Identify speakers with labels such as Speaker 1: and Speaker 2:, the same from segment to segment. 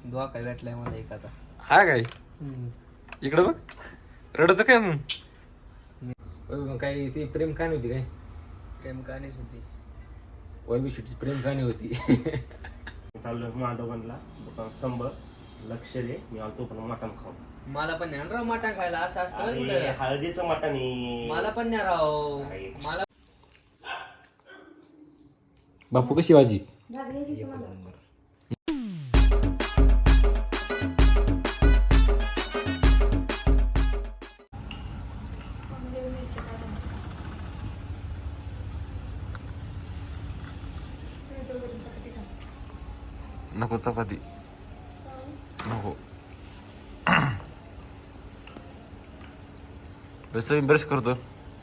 Speaker 1: धोका भेटलाय मला एक आता.
Speaker 2: हा काय इकडं बघ रडत काय मग काय ती प्रेम कहाणी होती काय
Speaker 1: प्रेम कहाणीच होती.
Speaker 2: वैभवशीची प्रेम कहाणी होती.
Speaker 3: चाललोय मांडोबनला दुकान संभ लक्ष दे मी आलतो पण मटण खाऊ.
Speaker 1: मला पण नाही राव मटण खायला असं असतं होय कुठं?
Speaker 3: हळदीचं मटण आहे.
Speaker 1: मला पण नाही राव. मला
Speaker 2: बापू कशी भाजी नको चपाती नको. बस मी ब्रश करतो.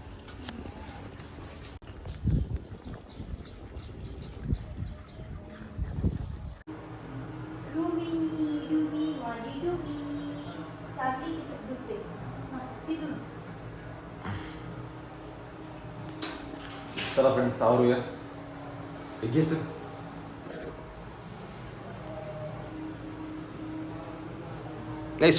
Speaker 2: चला फ्रेंड्स आवरूया. घ्यायचं नाही.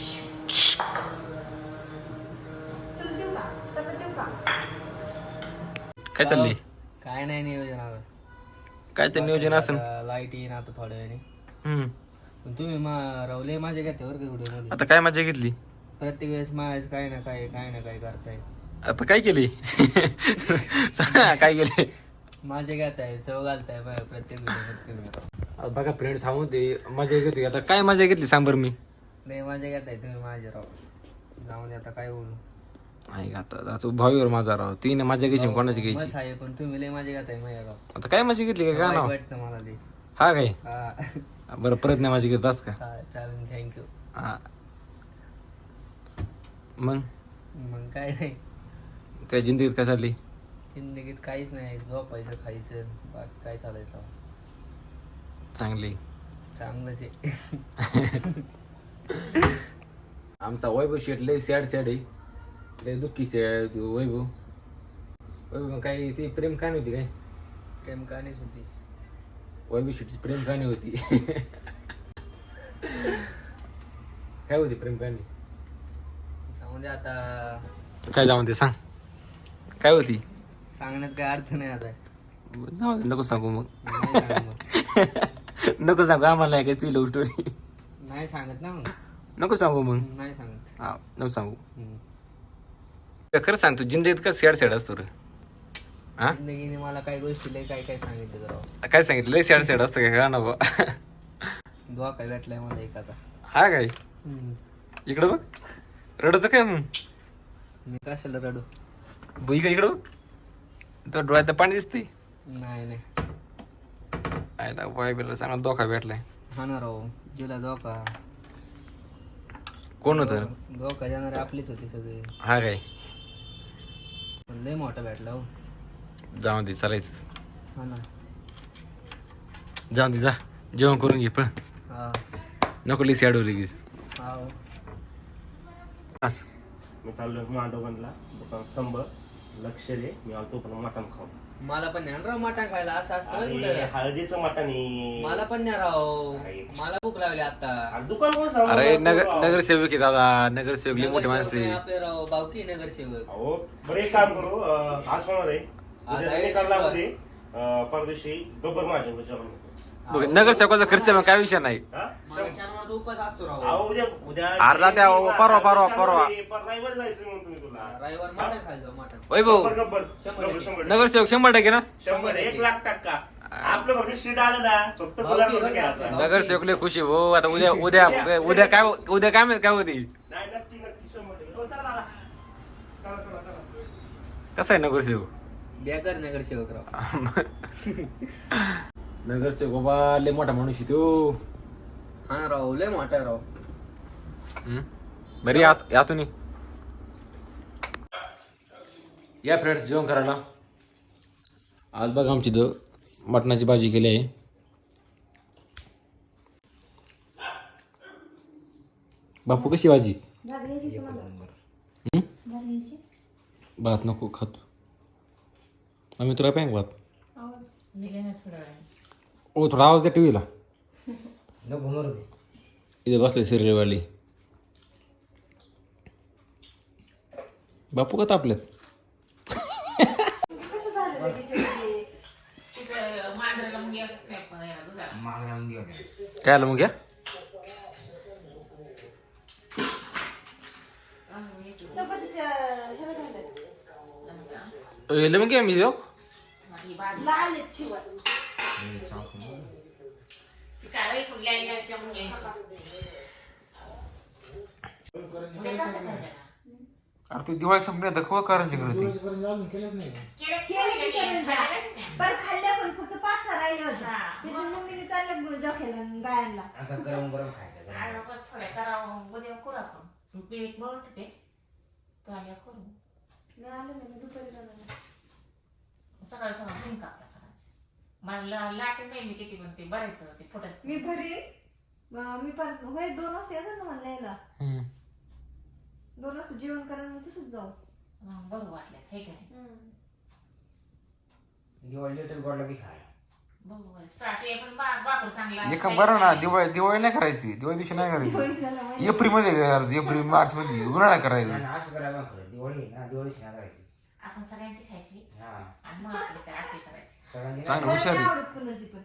Speaker 2: काय चाललंय
Speaker 1: काय नाही नियोजन आता.
Speaker 2: काय ते नियोजन असेल.
Speaker 1: लाईट येईन आता थोड्या वेळाने.
Speaker 2: हम्म.
Speaker 1: पण तुम्ही रावले माझ्या घेते बरं का व्हिडिओ मध्ये.
Speaker 2: आता काय मजा घेतली.
Speaker 1: प्रत्येक वेळेस माझ्याच काय ना काय करताय.
Speaker 2: आता काय केली. काय केले
Speaker 1: माझे घेताय चव घालताय प्रत्येक व्हिडिओ.
Speaker 2: बघा फ्रेंड्स सांगून ते मजा घेतली. आता काय मजा घेतली सांग बरं. मी
Speaker 1: नाही माझे घेताय तुम्ही माझे राव. जाऊन आता काय बोलू.
Speaker 2: नाही आता तू भावीवर माझा राव. तिने मजा घ्यायची कोणाची
Speaker 1: बस
Speaker 2: घ्यायची.
Speaker 1: आहे पण तुम्ही लय माझे घेताय माझ्या राव.
Speaker 2: आता काय मजा घेतली काय नाव
Speaker 1: वाटतं मला ते.
Speaker 2: हा काय
Speaker 1: हा
Speaker 2: बरं परत नाही माझी घेत बस का.
Speaker 1: चालेल थँक्यू.
Speaker 2: हा मग
Speaker 1: काय नाही
Speaker 2: त्या जिंदगीत काय चालली.
Speaker 1: जिंदगीत काहीच नाही. झोपायचं खायचं बाकी काय चालायचं.
Speaker 2: चांगली
Speaker 1: चांगलंच आहे.
Speaker 2: आमचा वैभव शेट लय सॅड आहे. लय दुःखी सॅड वैभव. वैभव काय ती प्रेम कहाणी होती काय.
Speaker 1: प्रेम कहाणीच होती.
Speaker 2: वैभव शेटची प्रेम कहाणी होती. काय होती प्रेम कहाणी.
Speaker 1: म्हणजे आता
Speaker 2: काय जाऊन ते सांग काय होती.
Speaker 1: सांगण्यात काय अर्थ नाही आता.
Speaker 2: जाऊ दे, नको सांगू मग.
Speaker 1: नाही सांगत मग.
Speaker 2: नको सांगू आम्हाला नाही काय तुझी लव्ह स्टोरी.
Speaker 1: नाही सांगत ना मग.
Speaker 2: नको सांगू मग.
Speaker 1: नाही सांगत.
Speaker 2: हा नको सांगू. खरं सांग तू जिंदगीत का सॅड असतो रे. हा
Speaker 1: जिंदगीने मला काही गोष्टी लय काय सांगितलं राव.
Speaker 2: काय सांगितलं लय सॅड असतं काय का ना बा.
Speaker 1: धोका भेटलाय मला एक आता.
Speaker 2: हा काय इकडं बघ रडत काय मग.
Speaker 1: मी कशाला रडू.
Speaker 2: बुई का इकडं बघ तो डोळ्यात पाणी दिसते.
Speaker 1: नाही
Speaker 2: आयला वाईला चांगला धोका भेटलाय.
Speaker 1: हा ना राव. जिला धोका.
Speaker 2: कोण होतं
Speaker 1: धोका देणारे आपलीच होती सगळे.
Speaker 2: हा काय
Speaker 1: पण लय मोठा भेटला हो.
Speaker 2: जाऊन दे चालायचं.
Speaker 1: हा ना.
Speaker 2: जाऊन दे जा जेवण करून घे पण
Speaker 1: हा
Speaker 2: नको लिस अडवली गीस.
Speaker 1: हा
Speaker 3: मी चाललोय मांडोबनला दुकान संभ लक्ष दे मी आलतो पण मटण खाऊ.
Speaker 1: मला पण नाही राव मटण खायला असं असतं होय कुठं?
Speaker 3: हळदीचं मटण आहे.
Speaker 1: मला पण नाही राव. मला भूक लागली आता.
Speaker 3: दुकान कोण सांगू
Speaker 2: अरे
Speaker 3: नको.
Speaker 2: नगरसेवक आहे दादा. नगरसेवक लई मोठी माणसं आहे.
Speaker 1: आपले राव बावकी नगरसेवक.
Speaker 3: अहो बरं एक काम करू आज होणार आहे
Speaker 1: आज
Speaker 3: उद्या
Speaker 1: आहे
Speaker 3: निकाल लागू
Speaker 1: शिवाय.
Speaker 3: दे परदेशी बरोबर माझ्या जेवण
Speaker 2: बघ नगरसेवकाचा खर्च मग काय विषय नाही.
Speaker 3: हा?
Speaker 1: मला शनिवारचा उपास असतो राव.
Speaker 3: अहो उद्या उद्या
Speaker 2: अर्धा द्या, अहो, परवा.
Speaker 3: रविवार जायचं म्हणून तुम्ही तुला
Speaker 1: रविवार मटण खायचं मटण.
Speaker 2: वैभव
Speaker 3: गब्बर, गब्बर.
Speaker 1: 100%.
Speaker 3: 100.
Speaker 2: नगरसेवक 100% ना.
Speaker 3: 100 1,00,000 आपलं फक्त सीट आलं ना फक्त गुलाब होतं घ्यायचं.
Speaker 2: नगरसेवक लय खुशी हो. आता उद्या काय माहित काय होती.
Speaker 3: नाही नक्की 100%. हो, चला दादा. चला.
Speaker 2: कसा आहे नगरसेवक.
Speaker 1: बेकार नगरसेवक राव.
Speaker 2: नगरसेवक बाबा लय मोठा माणूस आहे तो.
Speaker 1: हा ना राव लय मोठा राव.
Speaker 2: बरी यातून या फ्रेंड्स जेवण करायला. आज बघा आमची मटणाची भाजी केली आहे. बापू कशी भाजी. भात नको खातो आम्ही तुला पाहिजे भात. ओ थोडा आवाज द्या टीव्हीला.
Speaker 1: नको मरू दे.
Speaker 2: इथे बसले सिरियलवाली. बापू का तापलेत? काय आलं मग घ्या. मग घ्या मी जाऊ. अरे ती दिवाळी संपली आता कवा कारंजी करत ती.
Speaker 4: पर खाल्ल्या पण फक्त 5-6 राहिले होते. तिथून मम्मीने चाललं जोख्याला गायांना.
Speaker 1: आता गरम गरम खायचं.
Speaker 5: थोड्या करावं उद्या करू आपण पीठ मळून ठेवते तो आल्या करू.
Speaker 4: मी आले ना दुपारी जाणार.
Speaker 5: सकाळी सकाळ घेऊन कापला करायचं मला लाटे नाही मी किती म्हणते बरायचं ते फुटत.
Speaker 4: मी भरी मी पण होय 2 वाजता येतात ना मला यायला. 2 वाजता जेवण करायला मग तसंच जाऊ.
Speaker 5: बरं वाटलं हे काय
Speaker 1: दिवाळी लिटल गोडला बी खायला.
Speaker 5: बघू साठी पण बापूर चांगला
Speaker 2: एका बरं ना दिवाळी नाही करायची. दिवाळी दिवशी नाही करायची. एप्रिल मध्ये करायचं. एप्रिल मार्च मध्ये उन्हाळा करायचं.
Speaker 1: असं करायला खरं दिवाळी ना दिवाळीची नाही करायची.
Speaker 5: आपण सगळ्यांची खायची
Speaker 1: हा
Speaker 5: आणि मग आपली काय आरती करायची.
Speaker 1: सगळ्यांनी
Speaker 2: चांगलं हुशार आहे.
Speaker 4: आवडत कोणाची पण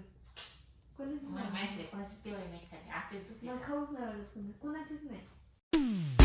Speaker 4: कोणाची
Speaker 5: मला माहिती कोणाची दिवाळी नाही खायची आरती दुसरी
Speaker 4: मला खाऊच नाही आवडत कोणाचीच नाही.